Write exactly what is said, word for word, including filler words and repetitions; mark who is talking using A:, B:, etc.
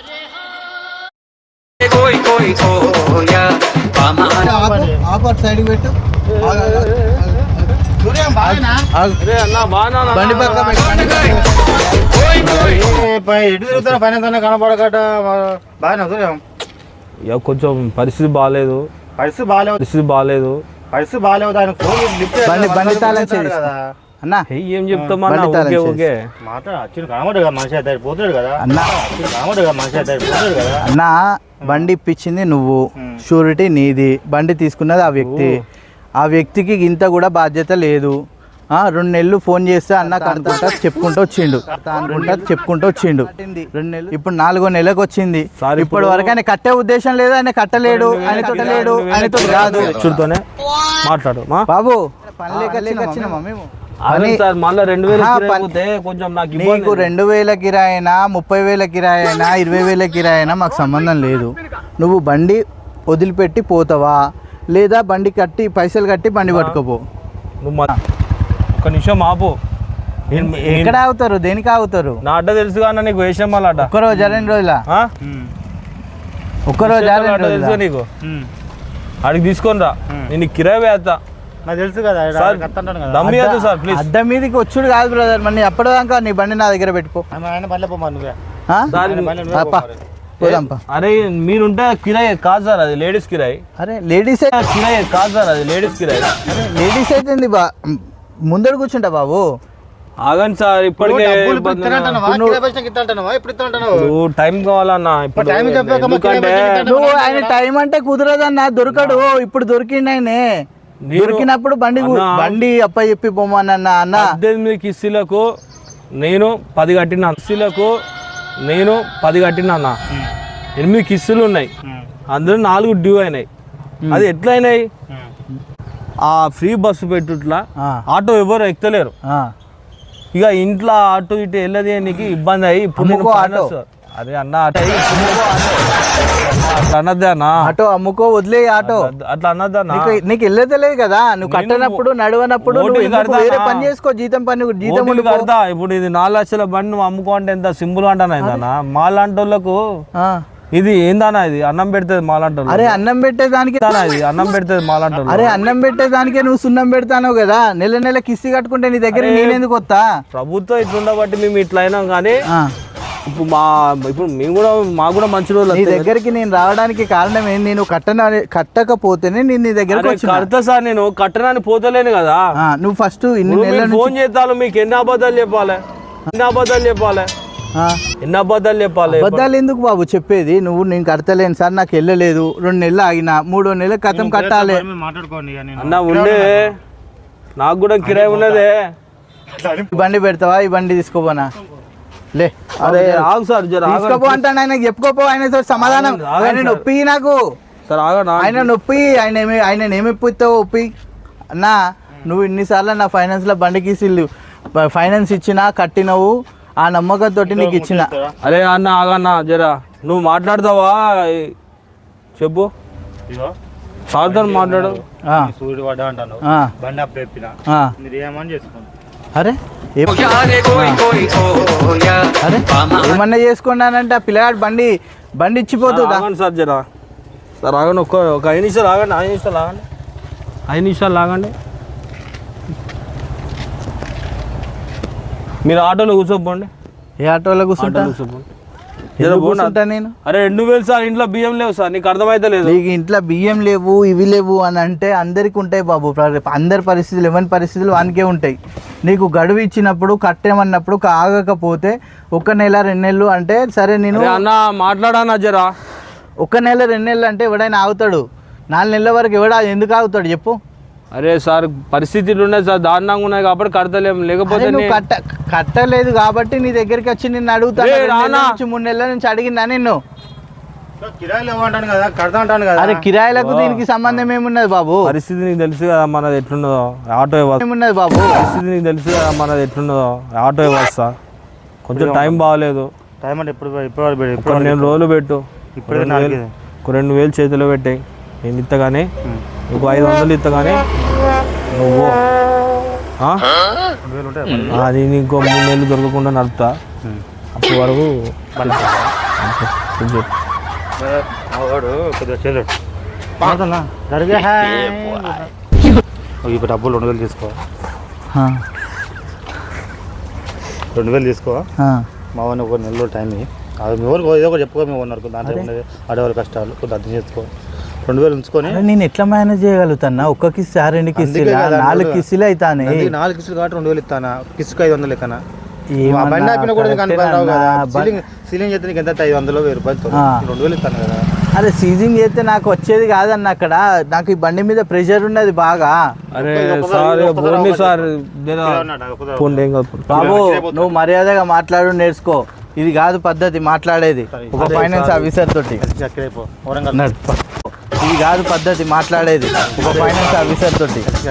A: Side పెట్టు
B: ఎటు తిరుగుతున్నా ఫైనాన్స్ అన్న కనపడకట బాగా సూర్యం.
C: కొంచెం పరిస్థితి బాగాలేదు
B: పరిస్థితి బాగాలేదు
C: పరిస్థితి బాగాలేదు
B: పరిస్థితి బాగాలేదు ఆయన
A: అన్నా
C: ఏం చెప్తామా ఓకే
B: మాట్లాడు కనబడు కదా మనిషి అయితే పోతాడు కదా కనబడు కదా మనిషి అయితే పోతాడు కదా.
A: అన్నా బండి ఇప్పించింది నువ్వు, షూరిటీ నీది, బండి తీసుకున్నది ఆ వ్యక్తి. ఆ వ్యక్తికి ఇంత కూడా బాధ్యత లేదు. రెండు నెలలు ఫోన్ చేస్తే అన్న కనుకుంటా చెప్పుకుంటూ వచ్చిండు అనుకుంటా చెప్పుకుంటూ వచ్చిండు రెండు నెలలు ఇప్పుడు నాలుగో నెలకు వచ్చింది. ఇప్పటి వరకు ఆయన కట్టే ఉద్దేశం లేదు, ఆయన కట్టలేడు, ఆయన తొట్టలేడు, ఆయనతో రాదు.
C: చూడుతోనే మాట్లాడు
A: బాబు పని లేక వచ్చినామా మేము. నీకు రెండు వేల కిరాయినా ముప్పై వేల కిరాయినా ఇరవై వేల కిరాయినా మాకు సంబంధం లేదు. నువ్వు బండి వదిలిపెట్టి పోతావా లేదా బండి కట్టి పైసలు కట్టి బండి పట్టుకోపో.
C: ఒక నిమిషం ఆపు.
A: ఎక్కడ ఆగుతారు, దేనికి ఆగుతారు?
C: నా అడ్డ తెలుసు కానీ నీకు వేసాం మళ్ళీ అడ్డ
A: ఒక్కరోజు రెండు రోజుల ఒక్కరోజు
C: తెలుసు నీకు. అడిగి తీసుకొని రా, నేను కిరాయి వేస్తా.
B: నాకు తెలుసు కదా
C: సార్ ప్లీజ్.
A: అద్దం మీదకి వచ్చుడు కాదు బ్రదర్, మరి అప్పటిదాకా నీ బండి నా దగ్గర పెట్టుకో.
C: అరే మీరుంటే కిరాయి కాదు సార్, అది లేడీస్ కిరాయి.
A: అరే లేడీస్
C: కిరాయి కాదు సార్, అది లేడీస్ కిరాయి.
A: లేడీస్ అయితే బా ముందర కూర్చుంటా బాబు.
C: ఆగండి సార్, ఇప్పటికే టైం కావాలన్నా.
A: నువ్వు ఆయన టైం అంటే కుదరదన్నా, దొరకడు. ఇప్పుడు దొరికిండు ఆయనే. దొరికినప్పుడు బండి బండి అప్ప చెప్పి పోమన్నా. అన్న
C: పద్దెనిమిది కిస్తీలకు నేను పది కట్టిన కిస్తీలకు నేను పది కట్టిన అన్న. ఎనిమిది కిస్తులు ఉన్నాయి, అందులో నాలుగు డ్యూ అయినాయి. అది ఎట్లా అయినాయి? ఆ ఫ్రీ బస్సు పెట్టుట్లా ఆటో ఎవరు ఎక్కలేరు. ఇక ఇంట్లో ఆటో ఇటు వెళ్ళది నీకు ఇబ్బంది అయ్యి ఇప్పుడు ఆటో. అరే అన్న ఆటో అట్లా అన్నదే అన్న, ఆటో అమ్ముకో వదిలే ఆటో అట్లా అన్నదన్నా. నీకు వెళ్ళలేదు కదా, నువ్వు కట్టనప్పుడు నడవనప్పుడు వేరే పని చేసుకో, జీతం పని జీతం కడతా. ఇప్పుడు ఇది నాలుగు లక్షల బండి నువ్వు అమ్ముకో అంటే ఎంత సింపుల్ అంటానా ఏందన్నా? మాలాంటి వాళ్ళకు ఇది ఏందన్నా, ఇది అన్నం పెడుతుంది మాలాంటి. అరే అన్నం పెట్టేదానికి ఇది అన్నం పెడుతుంది మాలాంటి. అరే అన్నం పెట్టేదానికే నువ్వు సున్నం పెడతాను కదా. నెల నెల కిస్తీ కట్టుకుంటే నీ దగ్గర నేనెందుకు వస్తా? ప్రభుత్వం ఇట్లుండబట్టి మేము ఇట్లా అయినాం. కానీ ఇప్పుడు మా ఇప్పుడు మేము కూడా మాకు కూడా మంచి రోజులు. నీ దగ్గరికి నేను రావడానికి కారణం ఏంటి? నేను కట్టన కట్టకపోతేనే నేను నీ దగ్గర కడతా సార్. నేను కట్టడానికి పోతలేను కదా. నువ్వు ఫస్ట్ ఫోన్ చేస్తాను, మీకు ఎన్ని అబద్ధాలు చెప్పాలి, ఎన్ని అబద్ధాలు చెప్పాలి, ఎన్ని అబద్ధాలు చెప్పాలి. అబద్ధాలు ఎందుకు బాబు చెప్పేది? నువ్వు నేను కడతలేను సార్, నాకు వెళ్ళలేదు, రెండు నెలలు ఆగినా, మూడో నెలల కథం కట్టాలి అన్న. ఉండే నాకు కూడా కిరాయి ఉన్నదే. బండి పెడతావా? ఈ బండి తీసుకోపోనా? లే అదే ఆగు సార్, తీసుకోపో అంటాను. ఆయనకు చెప్పుకోపో, ఆయనతో సమాధానం. ఆయన నొప్పి నాకు సార్, ఆయన నొప్పి. ఆయన ఏమి ఆయన ఏమిప్పిస్తావు ఒప్పి అన్నా? నువ్వు ఇన్నిసార్లు నా ఫైనాన్స్లో బండికి ఫైనాన్స్ ఇచ్చినా కట్టినవు, ఆ నమ్మకంతో నీకు ఇచ్చిన. అరే అన్న ఆగన్నా జరా, నువ్వు మాట్లాడతావా చెప్పు. సార్తో మాట్లాడు. అరే అరే ఏమన్నా చేసుకున్నానంటే ఆ పిల్లగాడు బండి బండి ఇచ్చిపోతుందా సార్? జరా సార్ ఆగండి, ఒక్క ఒక ఐదు నిమిషాలు ఆగండి, ఐదు నిమిషాలు ఆగండి, ఐదు నిమిషాలు ఆగండి. మీరు ఆటోలో కూర్చోపోండి. ఏ ఆటోలో కూర్చుంటా? కూర్చోపోండి. నేను అరే రెండు వేలు సార్, ఇంట్లో బియ్యం లేవు సార్, నీకు అర్థమైతే లేదు. నీకు ఇంట్లో బియ్యం లేవు, ఇవి లేవు అని అంటే అందరికి ఉంటాయి బాబు. అందరి పరిస్థితులు ఎవరి పరిస్థితులు వానికే ఉంటాయి. నీకు గడువు ఇచ్చినప్పుడు కట్టేమన్నప్పుడు ఆగకపోతే ఒక నెల రెండు నెలలు అంటే సరే నేను అన్న మాట్లాడానా జరా. ఒక నెల రెండు నెలలు అంటే ఎవడైనా ఆగుతాడు, నాలుగు నెలల వరకు ఎవడా ఎందుకు ఆగుతాడు చెప్పు? అరే సార్ పరిస్థితులు ఉన్నాయి సార్, దారుణంగా ఉన్నాయి కాబట్టి కడతలేము. లేకపోతే కట్ట కట్టలేదు కాబట్టి నీ దగ్గరికి వచ్చి నిన్ను అడుగుతాను. మూడు నెలల నుంచి అడిగిందా నిన్ను? అరే కిరాయిలకు దీనికి సంబంధం ఏమున్నది బాబు? పరిస్థితి నీకు తెలుసు కదా మనది ఎట్లున్నదో. ఆటో ఏమున్నది బాబు? పరిస్థితి నీకు తెలుసు కదా మనది ఎట్లున్నదో. ఆటో వ్యవస్థ కొంచెం టైం బాగాలేదు. టైం అంటే ఇప్పుడు ఇప్పుడు నేను రోజులు పెట్టు, ఇప్పుడు రెండు వేలు చేతిలో పెట్టాయి. నేను ఇత్తగానే ఇంకో ఐదు వందలు ఇత్తగానే నువ్వు అది ఇంకో మూడు నెలలు దొరకకుండా నడుపుతా. అప్పటి వరకు
A: ఇప్పుడు చెప్పు.
B: వాడు కొద్దిగా చేయలేడు జరిగే ఇప్పుడు డబ్బులు రెండు వేలు తీసుకో
A: ఆ,
B: రెండు వేలు తీసుకో
A: ఆ.
B: మా వాడిని ఒక నెలలో టైం ఇయ్యి. అది మీ ఊరికి ఏదో ఒకటి చెప్పుకో మీ ఉన్నారు దాంట్లో ఉండేది ఆడవాళ్ళ కష్టాలు కొద్దిగా అర్థం చేసుకో రెండు వేలు ఉంచుకొని
A: అరే నేను ఎట్లా మేనేజ్ చేయగలుగుతానా? ఒక్క కిస్సు ఆ రెండు కిస్సులు నాలుగు కిస్సులు అవుతానే.
B: అందుకే నాలుగు కిసులు కాబట్టి రెండు వేలు ఇస్తానా కిసుకు ఐదు వందలు ఇస్తానా
A: ఏమన్నా
B: బండి ఆపిన కూడా కానీ
A: కరెక్టే
B: రావు కదా
A: అన్నా.
B: సీలింగ్ సీలింగ్ చేస్తే నీకు ఎంత ఐదు వందలు వెయ్యి రూపాయలు
A: ఆ.
B: రెండు వేలు ఇస్తాను కదా
A: అరే సీజింగ్ చేస్తే నాకు వచ్చేది కాదన్న అక్కడ. నాకు ఈ బండి మీద ప్రెషర్ ఉన్నది బాగా.
C: అరే సార్ బోండి సార్ జరా పోండి ఏం కాదు.
A: బాబు నువ్వు మర్యాదగా మాట్లాడు నేర్చుకో. ఇది కాదు పద్ధతి మాట్లాడేది ఒక ఫైనాన్స్ ఆఫీసర్ తోటి.
B: చక్కరైపో వరంగల్
A: నడు. ఇది కాదు పద్ధతి మాట్లాడేది ఒక ఫైనాన్స్ ఆఫీసర్ తోటి.